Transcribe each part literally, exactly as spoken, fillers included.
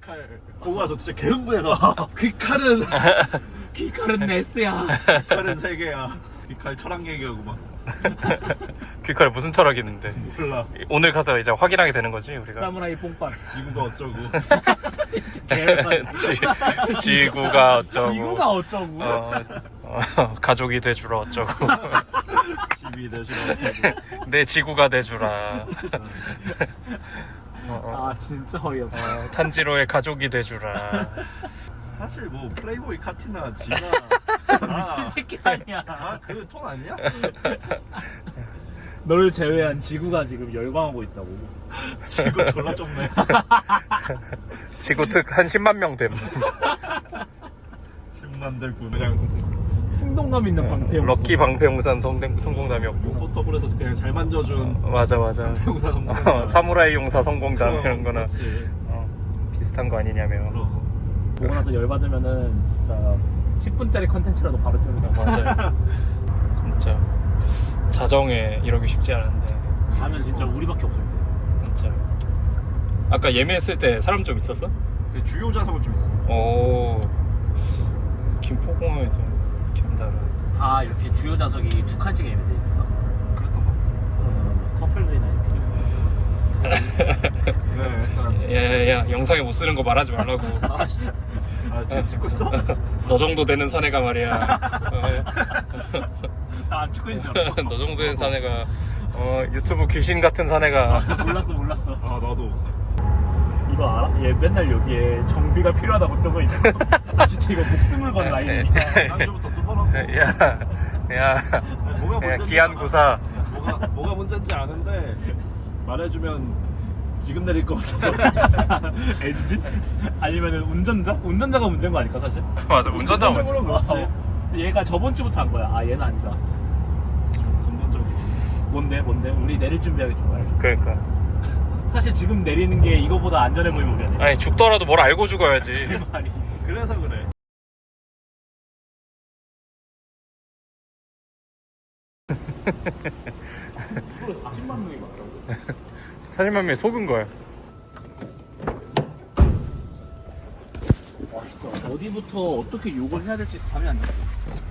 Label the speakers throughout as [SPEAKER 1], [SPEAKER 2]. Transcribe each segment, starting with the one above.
[SPEAKER 1] 칼 보고 와서 진짜 개흥분해서 그 칼은
[SPEAKER 2] 귀칼은 네스야.
[SPEAKER 1] 그 칼은 세계야. 이 칼 철학 얘기하고 막
[SPEAKER 3] 귀칼 무슨 철학이 있는데.
[SPEAKER 1] 몰라.
[SPEAKER 3] 오늘 가서 이제 확인하게 되는 거지 우리가.
[SPEAKER 2] 사무라이 뽕빨.
[SPEAKER 1] 지구가 어쩌고
[SPEAKER 3] 지, 지구가 어쩌고.
[SPEAKER 2] 지구가 어쩌고.
[SPEAKER 3] 어, 어, 가족이 돼주라 어쩌고.
[SPEAKER 1] 집이 되시고 어쩌고.
[SPEAKER 3] 내 지구가 돼주라. 어, 어,
[SPEAKER 2] 아 진짜 어이없어.
[SPEAKER 3] 어, 탄지로의 가족이 돼주라.
[SPEAKER 1] 사실 뭐 플레이보이 카티나 지나
[SPEAKER 2] 미친 새끼 아니야.
[SPEAKER 1] 아그 톤 아니야?
[SPEAKER 2] 너를 제외한 지구가 지금 열광하고 있다고.
[SPEAKER 1] 지구 졸라 좁네.
[SPEAKER 3] 지구 특 한 십만 명 됨.
[SPEAKER 1] 십만 들고 그냥
[SPEAKER 2] 생동감 있는 방패.
[SPEAKER 3] 럭키 방패용산 성공, 성공담이었고.
[SPEAKER 1] 포터블에서 그냥 잘 만져준
[SPEAKER 3] 어, 맞아 맞아.
[SPEAKER 1] 용사 성공.
[SPEAKER 3] 어, 사무라이 용사 성공담 이런 거나
[SPEAKER 1] 그렇지.
[SPEAKER 3] 어, 비슷한 거 아니냐며.
[SPEAKER 1] 그럼.
[SPEAKER 2] 보고 나서 열받으면은 진짜 십 분짜리 컨텐츠라도 바로 찍는다.
[SPEAKER 3] 맞아요. 진짜 자정에 이러기 쉽지 않은데
[SPEAKER 2] 가면 진짜 우리밖에 없을 때.
[SPEAKER 3] 진짜. 아까 예매했을 때 사람 좀 있었어?
[SPEAKER 1] 그 주요 좌석은 좀 있었어.
[SPEAKER 3] 오, 김포공항에서 김다라.
[SPEAKER 2] 다 이렇게 주요 좌석이 두 칸씩 예매돼 있었어.
[SPEAKER 1] 그랬던 것 같아.
[SPEAKER 2] 음, 커플들이나 이렇게.
[SPEAKER 1] 네, 약간
[SPEAKER 3] 야야야, 영상에 못 쓰는 거 말하지 말라고.
[SPEAKER 1] 아씨. 아 지금 찍고 있어?
[SPEAKER 3] 너 정도 되는 사내가 말이야.
[SPEAKER 2] 나안 찍고 있는 줄 알았어.
[SPEAKER 3] 너 정도 되는 사내가 어, 유튜브 귀신 같은 사내가.
[SPEAKER 2] 아, 몰랐어 몰랐어.
[SPEAKER 1] 아 나도.
[SPEAKER 2] 이거 알아? 얘 맨날 여기에 정비가 필요하다고 뜨고 있어. 나 진짜 이거 목숨을 건 라인이야.
[SPEAKER 1] 안주부터 뜨더라고.
[SPEAKER 3] 야, 야,
[SPEAKER 1] 뭐가
[SPEAKER 3] 야,
[SPEAKER 1] 문제인지
[SPEAKER 3] 기안
[SPEAKER 1] 알아.
[SPEAKER 3] 구사.
[SPEAKER 1] 뭐가 뭐가 문제인지 아는데 말해주면 지금 내릴 것 같아서.
[SPEAKER 2] 엔진? 아니면은 운전자? 운전자가 문제인 거 아닐까 사실?
[SPEAKER 3] 맞아, 운전자 먼저.
[SPEAKER 1] 근본적으로 그렇지.
[SPEAKER 2] 어, 얘가 저번 주부터 한 거야. 아 얘는 아니다.
[SPEAKER 1] 근본적으로.
[SPEAKER 2] 뭔데 뭔데? 우리 내릴 준비하기 좀 말해줘.
[SPEAKER 3] 그러니까.
[SPEAKER 2] 사실 지금 내리는 게 이거보다 안전해 보이면 우리 아니야.
[SPEAKER 3] 아니 죽더라도 뭘 알고 죽어야지.
[SPEAKER 2] 그 말이.
[SPEAKER 1] 그래서 그래.
[SPEAKER 2] 이걸 사십만 명이 봤다고?
[SPEAKER 3] 사십만 명이 속은 거야.
[SPEAKER 2] 와 진짜 어디부터 어떻게 욕을 해야 될지 감이 안 잡혀.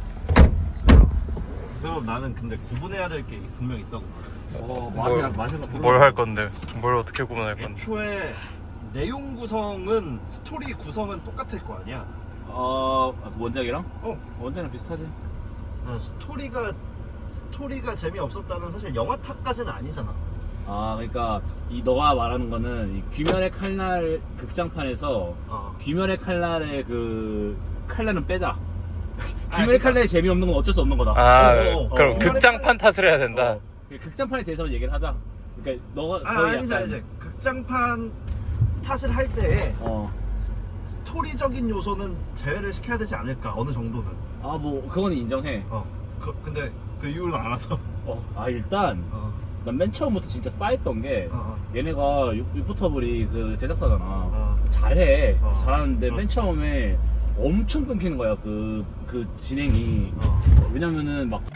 [SPEAKER 1] 그럼 나는 근데 구분해야 될 게 분명 있다고.
[SPEAKER 2] 어
[SPEAKER 3] 뭘,
[SPEAKER 2] 말이랑 마셔가
[SPEAKER 3] 뭘 할 건데? 뭘 어떻게 구분할 건데?
[SPEAKER 1] 애초에 내용 구성은 스토리 구성은 똑같을 거 아니야.
[SPEAKER 2] 어 원작이랑?
[SPEAKER 1] 어.
[SPEAKER 2] 원작이랑 비슷하지.
[SPEAKER 1] 어, 스토리가 스토리가 재미없었다는 사실 영화 탓까지는 아니잖아.
[SPEAKER 2] 아 그러니까 이 너가 말하는 거는 이 귀멸의 칼날 극장판에서
[SPEAKER 1] 어.
[SPEAKER 2] 귀멸의 칼날의 그 칼날은 빼자.
[SPEAKER 1] 아,
[SPEAKER 2] 귀멸의
[SPEAKER 1] 그러니까-
[SPEAKER 2] 칼날이 재미없는 건 어쩔 수 없는 거다.
[SPEAKER 3] 아,
[SPEAKER 1] 어, 어,
[SPEAKER 3] 그럼
[SPEAKER 2] 어.
[SPEAKER 3] 극장판 탓을 해야 된다.
[SPEAKER 2] 어, 극장판에 대해서 얘기를 하자. 그러니까 너가
[SPEAKER 1] 아,
[SPEAKER 2] 거의
[SPEAKER 1] 아니지
[SPEAKER 2] 약간
[SPEAKER 1] 아니지. 극장판 탓을 할 때
[SPEAKER 2] 어.
[SPEAKER 1] 스토리적인 요소는 제외를 시켜야 되지 않을까 어느 정도는.
[SPEAKER 2] 아 뭐 그건 인정해.
[SPEAKER 1] 어. 그, 근데 그 이유는 알아서.
[SPEAKER 2] 어. 아 일단
[SPEAKER 1] 어.
[SPEAKER 2] 난 맨 처음부터 진짜 싸했던 게
[SPEAKER 1] 어.
[SPEAKER 2] 얘네가 유- 유포터블이 그 제작사잖아.
[SPEAKER 1] 어.
[SPEAKER 2] 잘해.
[SPEAKER 1] 어.
[SPEAKER 2] 잘하는데 맨
[SPEAKER 1] 그렇지.
[SPEAKER 2] 처음에 엄청 끊기는 거야. 그, 그 진행이.
[SPEAKER 1] 어.
[SPEAKER 2] 왜냐면은 막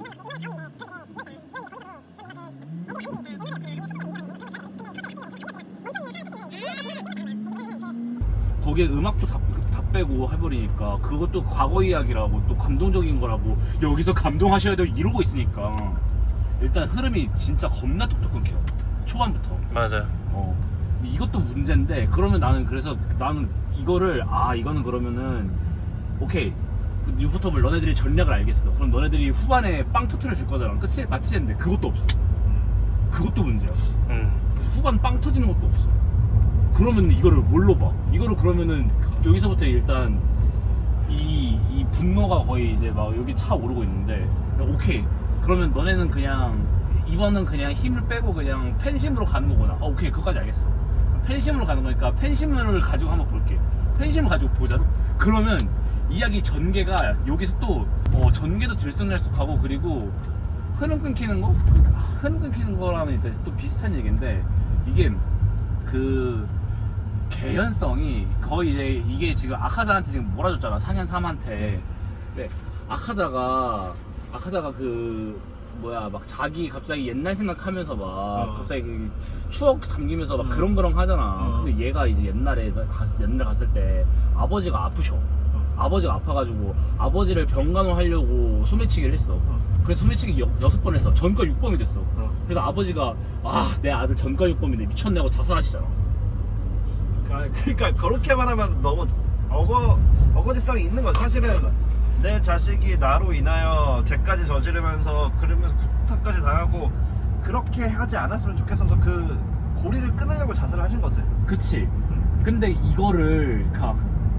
[SPEAKER 2] 거기에 음악도 다, 다 빼고 해버리니까 그것도 과거 이야기라고 또 감동적인 거라고 여기서 감동하셔야 돼요 이러고 있으니까 일단 흐름이 진짜 겁나 뚝뚝 끊겨 초반부터.
[SPEAKER 3] 맞아.
[SPEAKER 2] 어 이것도 문제인데 그러면 나는 그래서 나는 이거를 아 이거는 그러면은 오케이 뉴포터블 너네들이 전략을 알겠어. 그럼 너네들이 후반에 빵 터트려 줄 거잖아. 그치? 맞지? 했는데 그것도 없어. 그것도 문제야.
[SPEAKER 3] 음.
[SPEAKER 2] 후반 빵 터지는 것도 없어. 그러면 이거를 뭘로 봐? 이거를 그러면은 여기서부터 일단 이, 이 분노가 거의 이제 막 여기 차 오르고 있는데 오케이 그러면 너네는 그냥 이번은 그냥 힘을 빼고 그냥 팬심으로 가는 거구나. 어, 오케이 그거까지 알겠어. 팬심으로 가는 거니까 팬심을 가지고 한번 볼게. 팬심을 가지고 보자. 그러면 이야기 전개가 여기서 또 어, 전개도 들쑥날쑥하고 그리고 흐름 끊기는 거? 흐름 끊기는 거라면 이제 또 비슷한 얘기인데 이게 그 개연성이 거의 이제 이게 지금 아카자한테 지금 몰아줬잖아. 상현 삼한테. 근데 아카자가 아카자가 그 뭐야 막 자기 갑자기 옛날 생각하면서 막
[SPEAKER 1] 어.
[SPEAKER 2] 갑자기 그 추억 담기면서 막
[SPEAKER 1] 음.
[SPEAKER 2] 그렁그렁 하잖아.
[SPEAKER 1] 어.
[SPEAKER 2] 근데 얘가 이제 옛날에 갔, 옛날에 갔을 때 아버지가 아프셔. 아버지가 아파가지고 아버지를 병간호하려고 소매치기를 했어.
[SPEAKER 1] 어.
[SPEAKER 2] 그래서 소매치기 여, 여섯 번 했어. 전과 육범이 됐어.
[SPEAKER 1] 어.
[SPEAKER 2] 그래서 아버지가 아 내 아들 전과 육범인데 미쳤네 하고 자살하시잖아.
[SPEAKER 1] 그러니까 그렇게 말하면 너무 어거 어거지성이 있는 거야. 사실은 내 자식이 나로 인하여 죄까지 저지르면서 그러면서 구타까지 당하고 그렇게 하지 않았으면 좋겠어서 그 고리를 끊으려고 자살을 하신 거지.
[SPEAKER 2] 그치.
[SPEAKER 1] 응.
[SPEAKER 2] 근데 이거를 그니까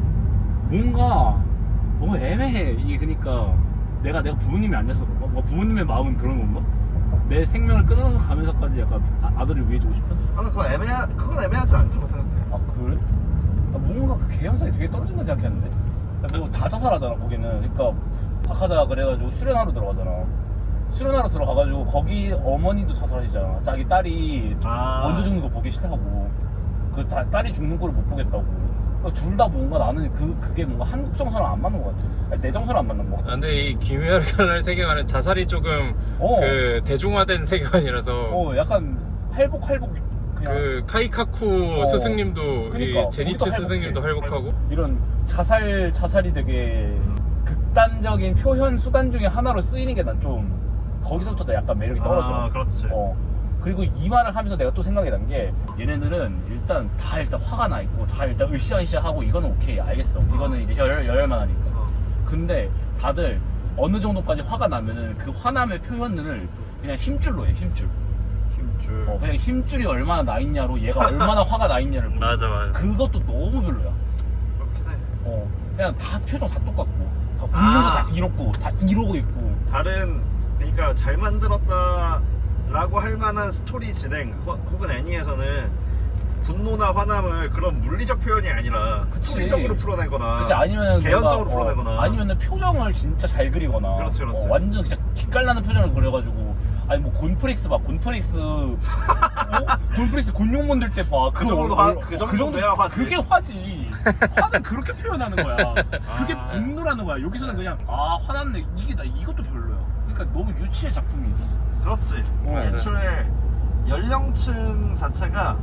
[SPEAKER 2] 뭔가 뭔가 애매해. 이게 그니까 내가 내가 부모님이 안 됐어. 뭔가 부모님의 마음은 그런 건가? 내 생명을 끊어서 가면서까지 약간 아, 아들을 위해 주고 싶었어.
[SPEAKER 1] 아, 그거 애매하 그건 애매하지 않다고 생각해.
[SPEAKER 2] 아 그래? 아, 뭔가 그 개연성이 되게 떨어진다 생각했는데. 뭐 다 자살하잖아 거기는. 그러니까 박하자 그래가지고 수련하러 들어가잖아. 수련하러 들어가가지고 거기 어머니도 자살하시잖아. 자기 딸이
[SPEAKER 1] 아.
[SPEAKER 2] 먼저 죽는 거 보기 싫다고. 그 다, 딸이 죽는 걸 못 보겠다고. 둘 다 뭔가 나는 그 그게 뭔가 한국 정서랑 안 맞는 것 같아. 아니, 내 정서랑 안 맞는 거.
[SPEAKER 3] 아, 근데 이 김혜열의 세계관은 자살이 조금
[SPEAKER 2] 어.
[SPEAKER 3] 그 대중화된 세계관이라서
[SPEAKER 2] 어 약간 할복 할복 그냥
[SPEAKER 3] 그 카이카쿠
[SPEAKER 2] 어.
[SPEAKER 3] 스승님도
[SPEAKER 2] 그러니까,
[SPEAKER 3] 이 제니츠
[SPEAKER 2] 거기도
[SPEAKER 3] 스승님도
[SPEAKER 2] 할복해.
[SPEAKER 3] 할복하고
[SPEAKER 2] 이런 자살 자살이 되게 극단적인 표현 수단 중에 하나로 쓰이는 게 난 좀 거기서부터 약간 매력이 떨어져.
[SPEAKER 1] 아, 그렇지.
[SPEAKER 2] 어. 그리고 이 말을 하면서 내가 또 생각이 난 게 얘네들은 일단 다 일단 화가 나 있고 다 일단 으쌰으쌰 하고 이거는 오케이 알겠어. 이거는 이제 열 열만 하니까.
[SPEAKER 1] 어.
[SPEAKER 2] 근데 다들 어느 정도까지 화가 나면은 그 화남의 표현을 그냥 힘줄로 해. 힘줄.
[SPEAKER 1] 힘줄.
[SPEAKER 2] 어, 그냥 힘줄이 얼마나 나 있냐로 얘가 얼마나 화가 나 있냐를 보여.
[SPEAKER 3] 맞아 맞아.
[SPEAKER 2] 그것도 너무 별로야.
[SPEAKER 1] 그렇긴 해.
[SPEAKER 2] 어, 그냥 다 표정 다 똑같고, 다 웃는
[SPEAKER 1] 아.
[SPEAKER 2] 거 다 이렇고, 다 이러고 있고.
[SPEAKER 1] 다른 그러니까 잘 만들었다라고 할 만한 스토리 진행 혹- 혹은 애니에서는 분노나 화남을 그런 물리적 표현이 아니라
[SPEAKER 2] 그치.
[SPEAKER 1] 스토리적으로 풀어내거나
[SPEAKER 2] 그치, 아니면은
[SPEAKER 1] 개연성으로
[SPEAKER 2] 뭔가,
[SPEAKER 1] 풀어내거나
[SPEAKER 2] 어, 아니면은 표정을 진짜 잘 그리거나.
[SPEAKER 1] 그렇지, 그렇지.
[SPEAKER 2] 어, 완전 진짜 기깔나는 표정을 그려가지고. 아니 뭐 곤프렉스 봐, 곤프렉스. 어? 곤프렉스 곤룡 만들 때 봐.
[SPEAKER 1] 그 정도
[SPEAKER 2] 얼-
[SPEAKER 1] 화-
[SPEAKER 2] 얼-
[SPEAKER 1] 그 정도 돼야 화지.
[SPEAKER 2] 그게 화지. 화는 그렇게 표현하는 거야. 그게
[SPEAKER 1] 아.
[SPEAKER 2] 분노라는 거야. 여기서는 그냥 아 화났네. 이게 나 이것도 별로야. 그러니까 너무 유치해 작품이.
[SPEAKER 1] 그렇지.
[SPEAKER 2] 어.
[SPEAKER 1] 애초에 연령층 자체가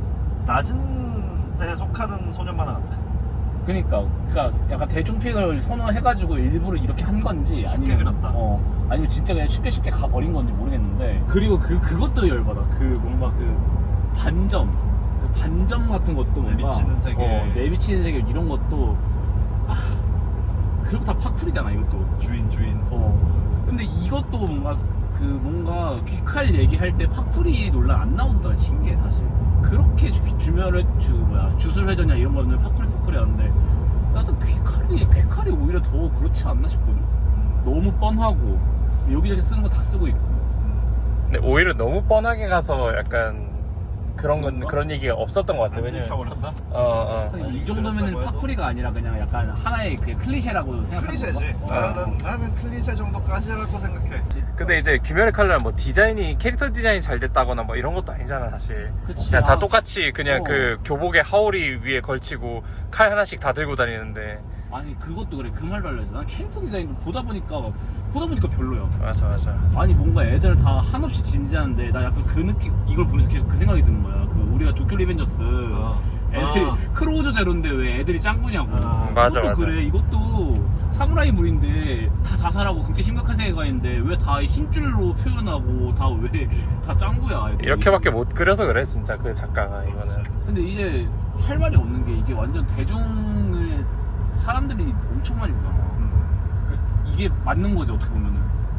[SPEAKER 1] 낮은 데에 속하는 소년 만화 같아.
[SPEAKER 2] 그니까, 그니까 약간 대중픽을 선호해가지고 일부러 이렇게 한 건지
[SPEAKER 1] 쉽게
[SPEAKER 2] 아니면
[SPEAKER 1] 그렸다.
[SPEAKER 2] 어 아니면 진짜 그냥 쉽게 쉽게 가버린 건지 모르겠는데 그리고 그 그것도 열받아. 그 뭔가 그 반점, 그 반점 같은 것도 뭔가
[SPEAKER 1] 내비치는 세계.
[SPEAKER 2] 어, 내비치는 세계 이런 것도 아 그리고 다 파쿠리잖아 이것도.
[SPEAKER 1] 주인 주인.
[SPEAKER 2] 어 근데 이것도 뭔가 그 뭔가 귀칼 얘기할 때 파쿠리 논란 안 나온다는 신기해 사실. 그렇게 주, 주면을 주 뭐야 주술회전이나 이런 거는 파쿠리 파쿠리 하는데 나도 귀칼이 귀칼이 오히려 더 그렇지 않나 싶거든. 너무 뻔하고 여기저기 쓰는 거 다 쓰고 있고.
[SPEAKER 3] 근데 오히려 너무 뻔하게 가서 약간 그런 건
[SPEAKER 2] 그런가?
[SPEAKER 3] 그런 얘기가 없었던 것 같아.
[SPEAKER 1] 안
[SPEAKER 3] 왜냐면
[SPEAKER 1] 들켜버렸나?
[SPEAKER 3] 어 어.
[SPEAKER 2] 근데
[SPEAKER 1] 아니,
[SPEAKER 2] 이 정도면은
[SPEAKER 1] 그렇다고 해도?
[SPEAKER 2] 파쿠리가 아니라 그냥 약간 하나의 그 클리셰라고 생각하는
[SPEAKER 1] 클리셰지.
[SPEAKER 2] 건가? 어.
[SPEAKER 1] 나는 나는 클리셰 정도까지라고 생각해.
[SPEAKER 3] 근데 이제 김열의 칼날은 뭐 디자인이 캐릭터 디자인이 잘 됐다거나 뭐 이런 것도 아니잖아 사실.
[SPEAKER 2] 그치.
[SPEAKER 3] 그냥 다
[SPEAKER 2] 아,
[SPEAKER 3] 똑같이 그냥
[SPEAKER 2] 어.
[SPEAKER 3] 그 교복에 하울이 위에 걸치고 칼 하나씩 다 들고 다니는데.
[SPEAKER 2] 아니 그것도 그래 그 말도 알려줘. 난 캐릭터 디자인도 보다 보니까 보다 보니까 별로야.
[SPEAKER 3] 맞아 맞아.
[SPEAKER 2] 아니 뭔가 애들 다 한없이 진지한데 나 약간 그 느낌 이걸 보면서 계속 그 생각이 드는 거야. 그 우리가 도쿄 리벤져스
[SPEAKER 1] 어.
[SPEAKER 2] 애들이
[SPEAKER 1] 아.
[SPEAKER 2] 크로우저 제로인데 왜 애들이 짱구냐고.
[SPEAKER 1] 아.
[SPEAKER 3] 맞아,
[SPEAKER 2] 이것도
[SPEAKER 3] 맞아.
[SPEAKER 2] 그래. 이것도 사무라이 물인데 다 자살하고 그렇게 심각한 세계관인데 왜 다 힘줄로 표현하고 다 왜 다 짱구야. 애들이.
[SPEAKER 3] 이렇게밖에 못 그려서 그래 진짜 그 작가가 이거는.
[SPEAKER 2] 근데 이제 할 말이 없는 게 이게 완전 대중을 사람들이 엄청 많이 보잖아.
[SPEAKER 1] 음.
[SPEAKER 2] 이게 맞는 거지 어떻게 보면은.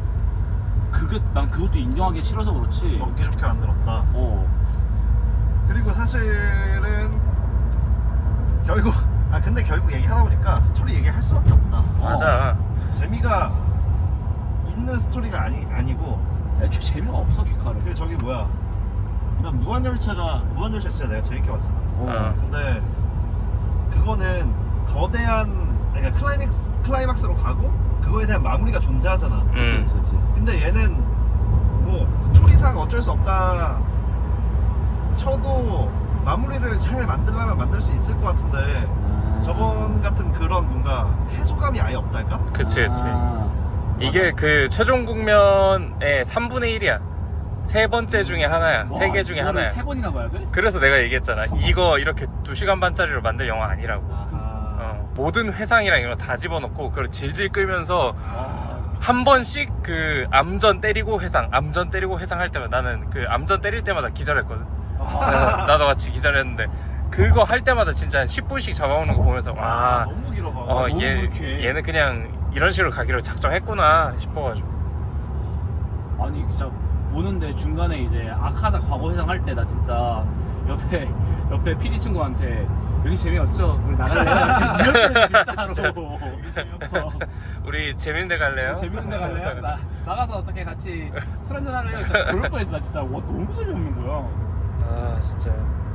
[SPEAKER 2] 그것 난 그것도 인정하기 싫어서 그렇지.
[SPEAKER 1] 먹기 좋게 만들었다.
[SPEAKER 2] 어.
[SPEAKER 1] 그리고 사실은 결국 아 근데 결국 얘기하다 보니까 스토리 얘기할 수밖에 없다.
[SPEAKER 3] 맞아.
[SPEAKER 1] 재미가 있는 스토리가 아니 아니고
[SPEAKER 2] 애초에 재미가 없어 귀칼은.
[SPEAKER 1] 그 저기 뭐야? 난 무한열차가 무한열차 진짜 내가 재밌게 봤잖아.
[SPEAKER 3] 어.
[SPEAKER 1] 근데 그거는 거대한 그러니까 클라이맥스 클라이막스로 가고 그거에 대한 마무리가 존재하잖아.
[SPEAKER 2] 그치,
[SPEAKER 3] 음.
[SPEAKER 2] 그치, 그치.
[SPEAKER 1] 근데 얘는 뭐 스토리상 어쩔 수 없다 쳐도 마무리를 잘 만들려면 만들 수 있을 것 같은데
[SPEAKER 2] 아.
[SPEAKER 1] 저번 같은 그런 뭔가 해소감이 아예 없달까?
[SPEAKER 3] 그치 그치.
[SPEAKER 2] 아.
[SPEAKER 3] 이게 그 최종 국면의 삼분의 일이야. 세 번째 중에 하나야. 세 개 중에 하나야.
[SPEAKER 2] 세 번이나 봐야 돼?
[SPEAKER 3] 그래서 내가 얘기했잖아. 이거 이렇게 두 시간 반짜리로 만들 영화 아니라고.
[SPEAKER 1] 아하.
[SPEAKER 3] 어, 모든 회상이랑 이런 거 다 집어넣고 그걸 질질 끌면서
[SPEAKER 1] 아.
[SPEAKER 3] 한 번씩 그 암전 때리고 회상, 암전 때리고 회상 할 때마다 나는 그 암전 때릴 때마다 기절했거든.
[SPEAKER 2] 아,
[SPEAKER 3] 나도 같이 기절했는데 그거 할 때마다 진짜 한 십 분씩 잡아오는 거 보면서
[SPEAKER 1] 아,
[SPEAKER 3] 와,
[SPEAKER 1] 너무 길어.
[SPEAKER 3] 어,
[SPEAKER 2] 너무
[SPEAKER 3] 얘,
[SPEAKER 2] 불쾌해.
[SPEAKER 3] 얘는 그냥 이런 식으로 가기로 작정했구나 싶어가지고.
[SPEAKER 2] 아니 진짜 보는데 중간에 이제 아카자 과거 회상 할 때 나 진짜 옆에 옆에 피디 친구한테 여기 재미없죠? 우리 나갈래요? 진짜로. 어,
[SPEAKER 3] 우리 재밌는 데 갈래요?
[SPEAKER 2] 재밌는 데 갈래요? 나, 나가서 어떻게 같이 술 한잔 할래요? 진짜 그럴 뻔했어. 나 진짜 와 너무 재미없는 거야.
[SPEAKER 3] 아 진짜.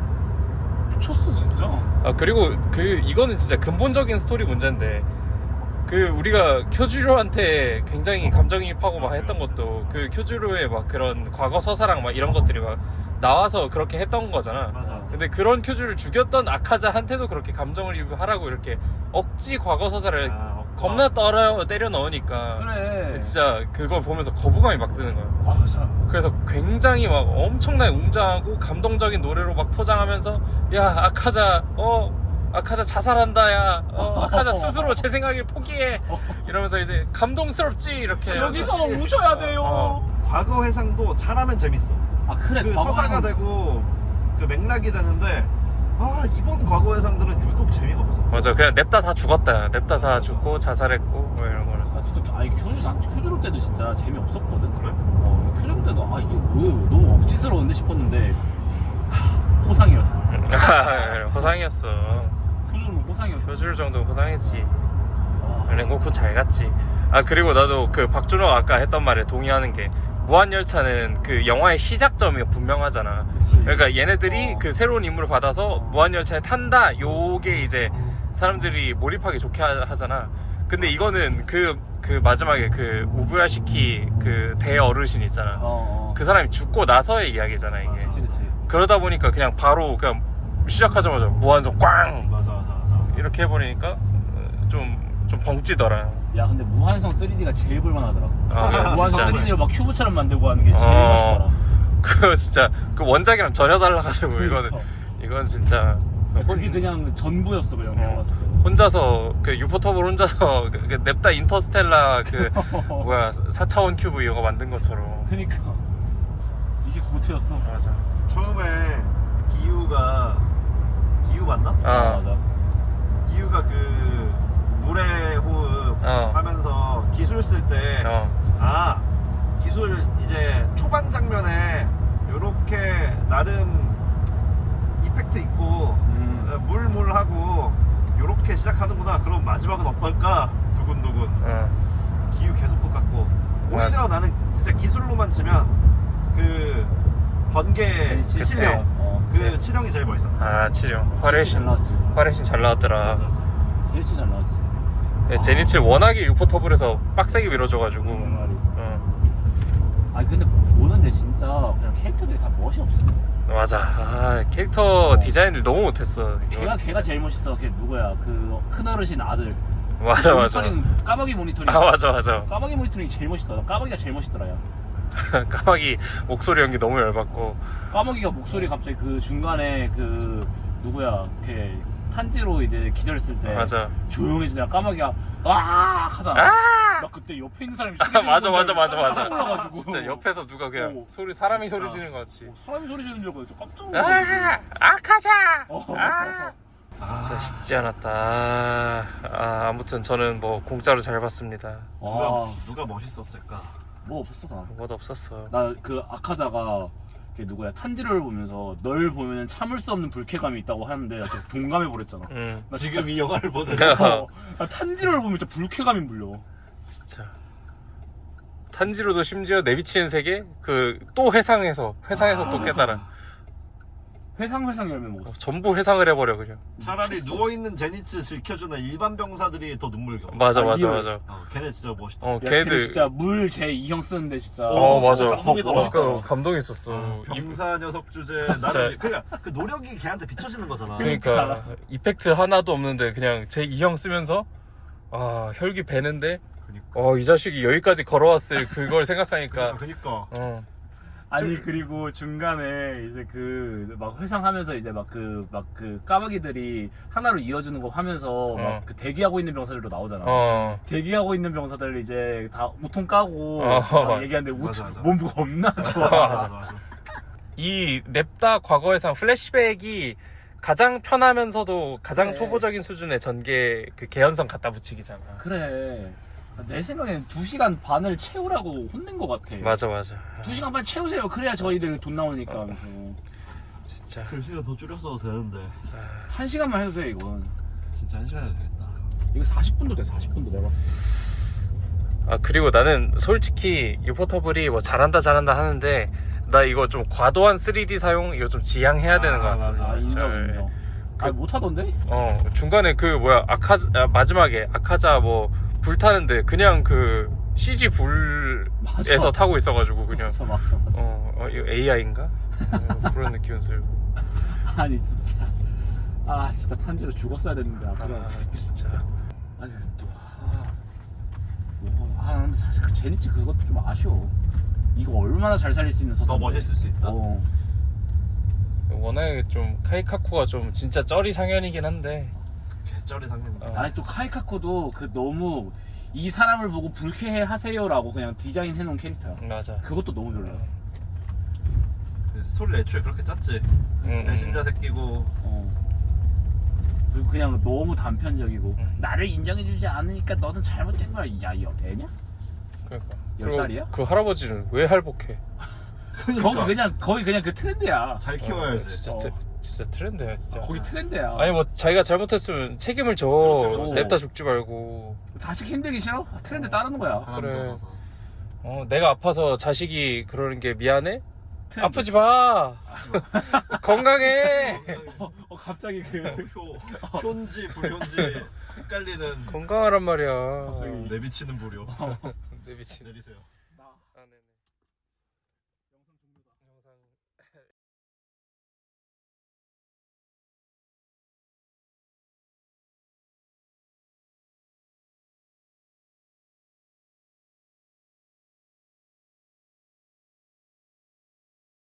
[SPEAKER 2] 미쳤어 진짜.
[SPEAKER 3] 아 그리고 그 이거는 진짜 근본적인 스토리 문제인데 그 우리가 쿄주로한테 굉장히 감정이입하고 막 했던 것도 그 쿄주로의 막 그런 과거 서사랑 막 이런 것들이 막 나와서 그렇게 했던 거잖아.
[SPEAKER 1] 맞아.
[SPEAKER 3] 근데 그런 쿄주를 죽였던 아카자한테도 그렇게 감정을 입하라고 이렇게 억지 과거 서사를
[SPEAKER 1] 아,
[SPEAKER 3] 겁나 떨어 때려 넣으니까
[SPEAKER 2] 그래.
[SPEAKER 3] 진짜 그걸 보면서 거부감이 막 드는 거야.
[SPEAKER 2] 아 진짜.
[SPEAKER 3] 그래서 굉장히 막 엄청나게 웅장하고 감동적인 노래로 막 포장하면서 야 아카자 어 아카자 자살한다 야 어, 아카자 스스로 제 생각을 포기해 이러면서 이제 감동스럽지 이렇게
[SPEAKER 2] 여기서 우셔야 돼요.
[SPEAKER 3] 어.
[SPEAKER 1] 과거 회상도 잘하면 재밌어.
[SPEAKER 2] 아 그래.
[SPEAKER 1] 그
[SPEAKER 2] 과거
[SPEAKER 1] 서사가
[SPEAKER 2] 회상.
[SPEAKER 1] 되고 그 맥락이 되는데 아 이번 과거 회상들은 유독 재미가 없어.
[SPEAKER 3] 맞아 그냥 냅다 다 죽었다 냅다 다 죽고 자살했고 뭐 이런 거라서
[SPEAKER 2] 아 진짜 아니 큐즈 난 큐즈로 때도 진짜 재미없었거든.
[SPEAKER 1] 그래?
[SPEAKER 2] 어 큐즈로 때도 아 이게 뭐 너무 억지스러운데 싶었는데 하, 호상이었어.
[SPEAKER 3] 호상이었어.
[SPEAKER 2] 큐즈는 호상이었어.
[SPEAKER 3] 표줄 정도 호상이지.
[SPEAKER 2] 아,
[SPEAKER 3] 랭고쿠 잘 갔지. 아 그리고 나도 그 박준호 아까 했던 말에 동의하는 게 무한열차는 그 영화의 시작점이 분명하잖아.
[SPEAKER 2] 그치.
[SPEAKER 3] 그러니까 얘네들이
[SPEAKER 2] 어.
[SPEAKER 3] 그 새로운 인물을 받아서 무한열차에 탄다 요게 이제 사람들이 몰입하기 좋게 하, 하잖아. 근데 이거는 그, 그 마지막에 그 우부야시키 그 대어르신 있잖아.
[SPEAKER 2] 어, 어.
[SPEAKER 3] 그 사람이 죽고 나서의 이야기잖아 이게.
[SPEAKER 2] 그치 그치.
[SPEAKER 3] 그러다 보니까 그냥 바로 그냥 시작하자마자 무한성 꽝
[SPEAKER 1] 맞아 맞아 맞아.
[SPEAKER 3] 이렇게 해버리니까 좀 좀 벙찌더라.
[SPEAKER 2] 야 근데 무한성 쓰리디가 제일 볼만하더라.
[SPEAKER 3] 아,
[SPEAKER 2] 무한성
[SPEAKER 3] 진짜.
[SPEAKER 2] 쓰리디를 막 큐브처럼 만들고 하는 게 제일
[SPEAKER 3] 어.
[SPEAKER 2] 멋있더라.
[SPEAKER 3] 그거 진짜 그 원작이랑 전혀 달라가지고 이거는
[SPEAKER 2] 그러니까.
[SPEAKER 3] 이건 진짜
[SPEAKER 2] 그게 그냥 전부였어 그 영화
[SPEAKER 3] 어.
[SPEAKER 2] 봤을 때.
[SPEAKER 3] 혼자서 그 유포터블 혼자서 그, 그 냅다 인터스텔라 그 뭐야 사 차원 큐브 이거 만든 것처럼.
[SPEAKER 2] 그니까 이게 고트였어.
[SPEAKER 3] 맞아.
[SPEAKER 1] 처음에 기우가 기우 맞나?
[SPEAKER 3] 아
[SPEAKER 2] 맞아.
[SPEAKER 1] 기우가 그 물의 호흡
[SPEAKER 3] 어.
[SPEAKER 1] 하면서 기술 쓸 때 아
[SPEAKER 3] 어.
[SPEAKER 1] 기술 이제 초반 장면에 요렇게 나름 이펙트 있고
[SPEAKER 2] 음.
[SPEAKER 1] 물물하고 요렇게 시작하는구나. 그럼 마지막은 어떨까? 두근두근.
[SPEAKER 3] 어.
[SPEAKER 1] 기우 계속 똑같고 오히려
[SPEAKER 3] 맞아.
[SPEAKER 1] 나는 진짜 기술로만 치면 그 번개
[SPEAKER 2] 그치.
[SPEAKER 1] 치령
[SPEAKER 2] 어.
[SPEAKER 1] 그 치령이 제일 멋있어.
[SPEAKER 3] 아 치료
[SPEAKER 2] 잘
[SPEAKER 3] 화레신
[SPEAKER 2] 나왔지.
[SPEAKER 3] 화레신 잘 나왔더라.
[SPEAKER 1] 맞아, 맞아.
[SPEAKER 2] 제일 잘 나왔지.
[SPEAKER 3] 예, 제니치 워낙에 유포터블에서 빡세게 밀어줘가지고.
[SPEAKER 2] 음.
[SPEAKER 3] 어.
[SPEAKER 2] 아니 근데 보는데 진짜 그냥 캐릭터들이 다 멋이 없어.
[SPEAKER 3] 맞아. 아, 캐릭터 디자인을 너무 못했어. 이거
[SPEAKER 2] 걔가
[SPEAKER 3] 진짜.
[SPEAKER 2] 걔가 제일 멋있어. 걔 누구야? 그 큰 어르신 아들.
[SPEAKER 3] 맞아 맞아.
[SPEAKER 2] 모니터링, 까마귀 모니터링.
[SPEAKER 3] 아 맞아 맞아.
[SPEAKER 2] 까마귀 모니터링이 제일 멋있다. 나 까마귀가 제일 멋있더라. 야.
[SPEAKER 3] 까마귀 목소리 연기 너무 열받고.
[SPEAKER 2] 까마귀가 목소리 갑자기 그 중간에 그 누구야? 걔 탄지로 이제 기절했을 때
[SPEAKER 3] 맞아.
[SPEAKER 2] 조용해지다가 까마귀가 아 하잖아.
[SPEAKER 3] 아!
[SPEAKER 2] 나 그때 옆에 있는 사람이
[SPEAKER 3] 아 맞아 맞아 맞아 맞아.
[SPEAKER 2] 올라가지고
[SPEAKER 3] 진짜 옆에서 누가 그냥
[SPEAKER 2] 어.
[SPEAKER 3] 소리 사람이 소리
[SPEAKER 1] 아.
[SPEAKER 3] 지르는 것 같이.
[SPEAKER 2] 어, 사람이 소리 지르는 줄 알고 진짜 깜짝 놀랐어.
[SPEAKER 3] 아 아카자.
[SPEAKER 2] 어.
[SPEAKER 3] 아. 진짜 쉽지 않았다. 아, 아 아무튼 저는 뭐 공짜로 잘 봤습니다.
[SPEAKER 1] 누가
[SPEAKER 2] 아,
[SPEAKER 1] 누가 멋있었을까?
[SPEAKER 2] 뭐 없었어 나.
[SPEAKER 3] 뭐도 없었어.
[SPEAKER 2] 나 그 아카자가 걔 누구야 탄지를 보면서 널 보면 참을 수 없는 불쾌감이 있다고 하는데 나 진짜 동감해 버렸잖아.
[SPEAKER 3] 응.
[SPEAKER 2] 나
[SPEAKER 1] 지금 이 영화를 보는
[SPEAKER 2] 어, 나 탄지를 보면 진짜 불쾌감이 물려.
[SPEAKER 3] 진짜. 탄지로도 심지어 내비치는 세계 그 또 회상해서 회상해서
[SPEAKER 2] 아,
[SPEAKER 3] 또 깨달아.
[SPEAKER 2] 회상 회상 열매 먹었어.
[SPEAKER 3] 전부 회상을 해버려 그냥.
[SPEAKER 1] 차라리 누워있는 제니츠 지켜주는 일반 병사들이 더 눈물겨.
[SPEAKER 3] 맞아
[SPEAKER 2] 아,
[SPEAKER 3] 맞아
[SPEAKER 2] 리얼.
[SPEAKER 3] 맞아.
[SPEAKER 1] 어, 걔네 진짜 멋있다.
[SPEAKER 3] 어
[SPEAKER 2] 야, 걔는
[SPEAKER 3] 걔들.
[SPEAKER 2] 진짜 물 제 이형 쓰는데 진짜.
[SPEAKER 3] 어 맞아.
[SPEAKER 1] 감동이더라.
[SPEAKER 3] 그러니까 감동했었어.
[SPEAKER 1] 어,
[SPEAKER 3] 이-
[SPEAKER 1] 병사 녀석 주제 나는 그냥 그 노력이 걔한테 비춰지는 거잖아.
[SPEAKER 3] 그러니까 이펙트 하나도 없는데 그냥 제 이형 쓰면서 아 혈기 배는데
[SPEAKER 1] 그니까.
[SPEAKER 3] 어, 이 자식이 여기까지 걸어왔을 그걸 생각하니까
[SPEAKER 1] 그니까.
[SPEAKER 3] 어.
[SPEAKER 2] 아니 그리고 중간에 이제 그 막 회상하면서 이제 막 그 막 그 까마귀들이 하나로 이어주는 거 하면서
[SPEAKER 3] 어.
[SPEAKER 2] 막 그 대기하고 있는 병사들도 나오잖아.
[SPEAKER 3] 어.
[SPEAKER 2] 대기하고 있는 병사들 이제 다 우통 까고
[SPEAKER 3] 어.
[SPEAKER 2] 막 얘기하는데 우,
[SPEAKER 1] 맞아, 맞아.
[SPEAKER 2] 몸 겁나 좋아.
[SPEAKER 1] 맞아 맞아.
[SPEAKER 3] 이 냅다 과거의상 플래시백이 가장 편하면서도 가장
[SPEAKER 2] 그래.
[SPEAKER 3] 초보적인 수준의 전개 그 개연성 갖다 붙이기잖아.
[SPEAKER 2] 그래. 내 생각에는 두 시간 반을 채우라고 혼낸 것 같아.
[SPEAKER 3] 맞아 맞아.
[SPEAKER 2] 두 시간 반 채우세요. 그래야 저희들 돈 나오니까.
[SPEAKER 3] 어.
[SPEAKER 2] 그래서
[SPEAKER 3] 진짜.
[SPEAKER 1] 그 시간 더 줄였어도 되는데.
[SPEAKER 2] 한 시간만 해도 돼 이건.
[SPEAKER 1] 진짜 한 시간 해도 되겠다.
[SPEAKER 2] 이거 사십 분도 돼. 사십 분도 내가 봤을 때.
[SPEAKER 3] 아 그리고 나는 솔직히 유포터블이 뭐 잘한다 잘한다 하는데 나 이거 좀 과도한 쓰리디 사용 이거 좀 지양해야 되는 것
[SPEAKER 1] 아,
[SPEAKER 3] 같아.
[SPEAKER 2] 아 인정 인정.
[SPEAKER 3] 그-
[SPEAKER 2] 아 못하던데?
[SPEAKER 3] 어 중간에 그 뭐야 아카 아, 마지막에 아카자 뭐 불타는데 그냥 그 씨지 불에서
[SPEAKER 2] 맞아.
[SPEAKER 3] 타고 있어가지고 그냥
[SPEAKER 2] 맞아 맞아 맞아.
[SPEAKER 3] 어, 어 이거 에이아이인가 어, 그런 느낌은 들고.
[SPEAKER 2] 아니 진짜. 아 진짜 탄지로 죽었어야 됐는데 아, 그래.
[SPEAKER 3] 아 진짜.
[SPEAKER 2] 아니 또 아, 뭐, 아 근데 사실 그 제니치 그것도 좀 아쉬워. 이거 얼마나 잘 살릴 수 있는 서사.
[SPEAKER 1] 더 멋있을 수 있다.
[SPEAKER 2] 어.
[SPEAKER 3] 워낙에 좀 카이카쿠가 좀 진짜 쩌리 상현이긴 한데
[SPEAKER 1] 개쩔이 상품.
[SPEAKER 3] 어.
[SPEAKER 2] 아니 또 카이카코도 그 너무 이 사람을 보고 불쾌해 하세요라고 그냥 디자인 해놓은 캐릭터야.
[SPEAKER 3] 맞아.
[SPEAKER 2] 그것도 너무 좋아.
[SPEAKER 1] 그 스토리를 애초에 그렇게 짰지.
[SPEAKER 3] 응,
[SPEAKER 1] 배신자
[SPEAKER 3] 응.
[SPEAKER 1] 새끼고.
[SPEAKER 2] 어. 그리고 그냥 너무 단편적이고
[SPEAKER 3] 음.
[SPEAKER 2] 나를 인정해주지 않으니까 너는 잘못된 거야. 야, 이 애냐?
[SPEAKER 3] 그러니까.
[SPEAKER 2] 열
[SPEAKER 3] 그리고
[SPEAKER 2] 살이야?
[SPEAKER 3] 그 할아버지는 왜 할복해?
[SPEAKER 1] 그러니까.
[SPEAKER 2] 거기 그냥 거기 그냥 그 트렌드야.
[SPEAKER 1] 잘
[SPEAKER 3] 어,
[SPEAKER 1] 키워야지.
[SPEAKER 3] 진짜
[SPEAKER 2] 어.
[SPEAKER 3] 트, 진짜 트렌드야 진짜.
[SPEAKER 2] 거기 트렌드야.
[SPEAKER 3] 아니 뭐 자기가 잘못했으면 책임을 져.
[SPEAKER 1] 그렇지, 그렇지.
[SPEAKER 3] 냅다 죽지 말고.
[SPEAKER 2] 자식 힘들기 싫어? 트렌드 따르는 거야.
[SPEAKER 1] 하나
[SPEAKER 3] 그래.
[SPEAKER 1] 무서워서.
[SPEAKER 3] 어 내가 아파서 자식이 그러는 게 미안해?
[SPEAKER 2] 트렌드.
[SPEAKER 3] 아프지 마. 건강해.
[SPEAKER 2] 어, 어, 갑자기 그
[SPEAKER 1] 효, 효인지 불효인지 헷갈리는
[SPEAKER 3] 건강하란 말이야.
[SPEAKER 2] 갑자기.
[SPEAKER 1] 내비치는 불효.
[SPEAKER 3] 내 미친.
[SPEAKER 1] 내리세요.
[SPEAKER 3] 아, 네네.